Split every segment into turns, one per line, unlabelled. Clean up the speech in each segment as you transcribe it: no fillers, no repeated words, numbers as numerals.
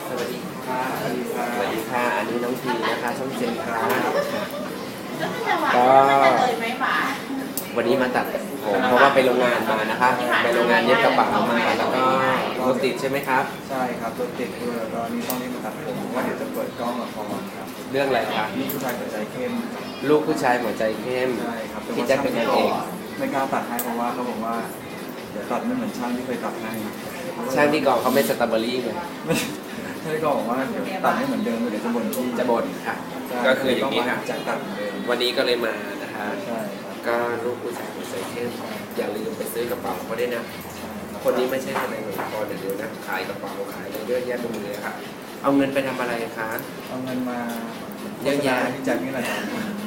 สวัสดีค่ะสวัสดีค่ะสวัสดีค่ะอันนี้น้องทีนะคะช่องเจนค่ะก็วันนี้มาตัดผมเพราะว่าไปโรงงานมานะคะไปโรงงานเย็บกระเป๋ามาแล้วก็รถติดใช่ไหมครับ
ใช่ครับรถติดด้วยแล้วก็นี่ต้องรีบมาตัดผมเพราะว่าเดี๋ยวจะเปิดกล้องละครครับ
เรื่องอะไรคะ
นี่ผู้ชายหัวใจเข้ม
ลูกผู้ชายหัวใจเข้ม
ใช่ครับ
ที่จะเป็นนางเอก
ไม่กล้าตัดให้เพราะว่าเขาบอกว่าเดี๋ยวตัดไม่เหมือนช่างที่เคยตัดให้
ช่างที่กองเขาไม่สตรอเบอรี่ไง
ใช่ก็บอกว่าเดี๋ยวตัดไม่เหมือนเดิมเดี๋ยวจะบ่นที่
จะบ่นค่ะก็คืออย่างนี้ค่ะ
จะตัดเหมือนเดิม
วันนี้ก็เลยมานะคะ
ใช่ครับ
ก็ลูกผู้ชายหัวใจเข้มอย่าลืมไปซื้อกระเป๋าเขาด้วยนะคนนี้ไม่ใช่ทนายหนุ่มกรเดี๋ยวนะขายกระเป๋าขายอะไรเยอะแยะไปหมดเลยค่ะเอาเงินไปทำอะไรคะ
เอาเงินมา
เยอะแยะ
ที่จากนี่แหละครับ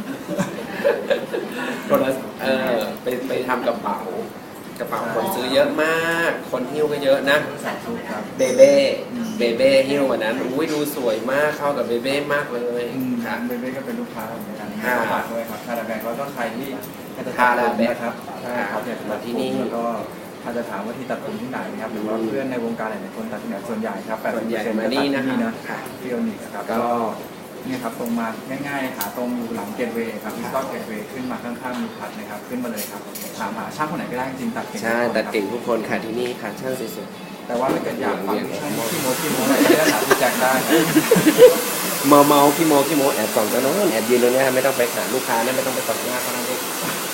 ไปทำกระเป๋าคนซื้อเยอะมากคนหิ้วก็เยอะนะเบเบ้หิ้ววันนั้นอุ้ยดูสวยมากเข้ากับเบเบ้มากเลย
ค่ะเบเบ้ก็เป็นลูกค้าเหมือนกันฝากด้วยครับคาราแบงแล้วก็ใครที่
คาราแบง
ครับใช่ครับอยากจะตัดที่นี่แล้วก็ถ้าจะถามว่าที่ตัดผมที่ไหนครับหรือว่าเพื่อนในวงการหลายๆคนตัดที่ไหนส่วนใหญ่ครับ
80%มานี่นะ
ที่โอนิกครับก็นี่ครับตรงมาง่ายๆหาตรงอยู่หลังเกตเวย์ครับที่ก็เกตเวย์ขึ้นมาข้างๆมีพัดนะครับขึ้นมาเลยครับถามหาช่างคนไหนก็ได้จริงตัดเก่ง
ใช่ตัดเก่งทุกคนค่ะที่นี่ค่ะช่างสวย
ๆแต่ว่าถ้าเกิดอยากฟังช่างที่โมอะไรก็ได้ถามพี่แจ็คได้
เมาพี่โมแอบส่องกันน้องแอบยืนตรงนี้ไม่ต้องไปหาลูกค้านะไม่ต้องไปส่องหน้าเขานะลูก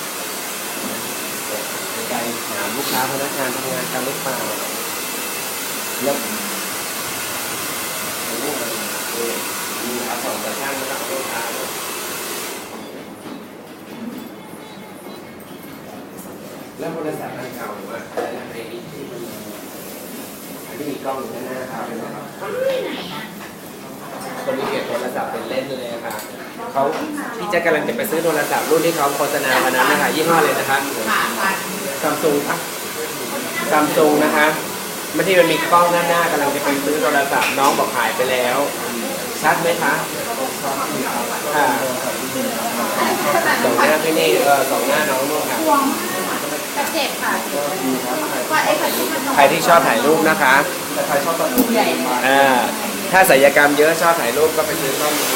ไกลถามลูกค้าพนักงานทำงานกันหรือเปล่าแล้วมีอาสองกระช่างแล้วก็ลูกค้าแล้วโทรศัพท์อันเก่าหรือว่าอะไรที่มีกล้องอยู่หน้าครับคนที่เก็บโทรศัพท์เป็นเล่นเลยค่ะเขาพี่แจ๊คกำลังจะไปซื้อโทรศัพท์รุ่นที่เขาโฆษณาวันนั้นนะคะยี่ห้อเลยนะคะซัมซุงค่ะซัมซุงนะคะไม่ที่มันมีกล้องหน้ากำลังจะไปซื้อโทรศัพท์น้องบอกหายไปแล้วชัดไหมคะค่ะสองหน้าพี่นี่สองหน้าน้องนู่นค่ะ
เจ็บค่ะ
ใครที่ชอบถ่ายรูปนะคะ
แต่ใครชอบตัดผมใหญ่
ถ้าศัลยกรรมเยอะชอบถ่ายรูปก็ไปซื้อกล้องดี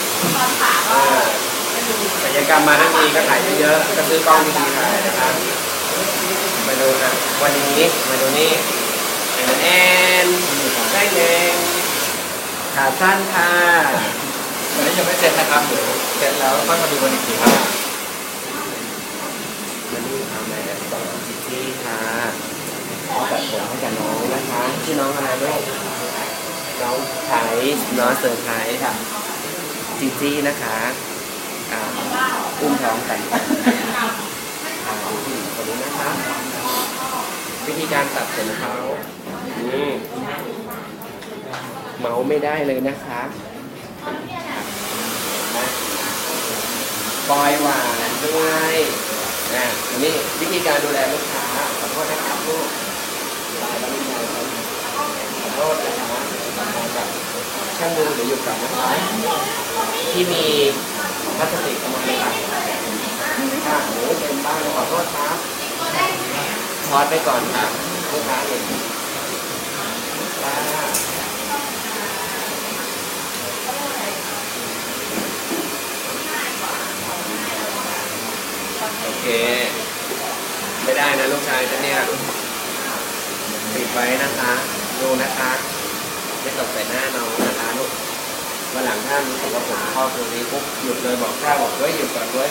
ศัลยกรรมมาทั้งทีก็ถ่ายเยอะก็ซื้อกล้องดีๆถ่ายนะคะมาดูนะวันนี้มาดูนี่แอนได้เองขาสั้นค่ะ
วันนี้ยังไม่เสร็จนะครับเดี๋ยวเสร็จแล้วค่อยมาดูกันอีกทีครับ
มานี่ทำอะไรต่อที่ค่ะตัดผมให้กับน้องนะคะชื่อน้องอะไรลูกน้องไทยน้องเซอร์ไพรส์ค่ะจีจี้นะคะอุ้มท้องกันคนนี้นะคะวิธีการตัดผมเขาเมาไม่ได้เลยนะคะปล่อยหวานด้วยนี่วิธีการดูแลลูกค้าขอโทษนะครับลูกตายแล้วไม่ใช่ขอโทษนะคะกับช่างมือหรืออยู่กับนะคะที่มีพลาสติกมาเลยค่ะโอ้เต็มบ้านขอโทษครับทอดไปก่อนค่ะลูกค้าเห็นโอเคไม่ได้นะลูกชายฉันเนี่ยปิดไว้นะคะดูนะคะไม่ตกใส่หน้าน้องนะคะลูกวันหลังถ้ารู้สึกว่าผมชอบตรงนี้ปุ๊บหยุดเลยบอกกล้าบอกด้วยหยุดก่อนด้วย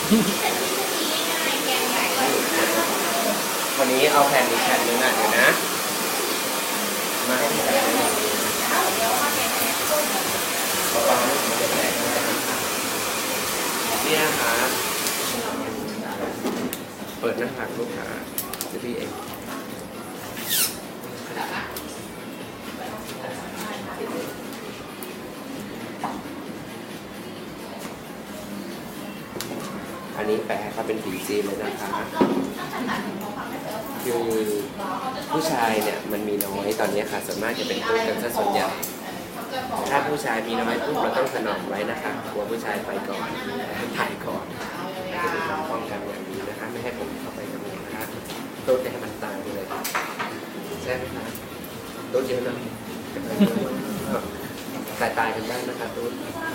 วันนี้เอาแผ่นอีกแผ่นนึงอ่ะเดี๋ยวนะมาให้พี่แผ่นนึงเพราะว่ามันจะแตกเนี่ยค่ะเปิดหน้าผากลูกค้าจะพี่เองอันนี้แปลเขาเป็นผีจีนเลยนะคะคือผู้ชายเนี่ยมันมีน้อยตอนนี้ค่ะส่วนมากจะเป็นตุ๊ดกันซะส่วนใหญ่ถ้าผู้ชายมีน้อยปุ๊บเราต้องถนอมไว้นะคะกลัวผู้ชายไปก่อนถ่ายก่อนจะมีความป้องกันอย่างนี้นะคะไม่ให้ผมเข้าไปกับมันนะคะตุ๊ดให้มันตายไปเลยใช่ไหมคะตู้เยอะนะสายตายกันบ้างนะคะตู้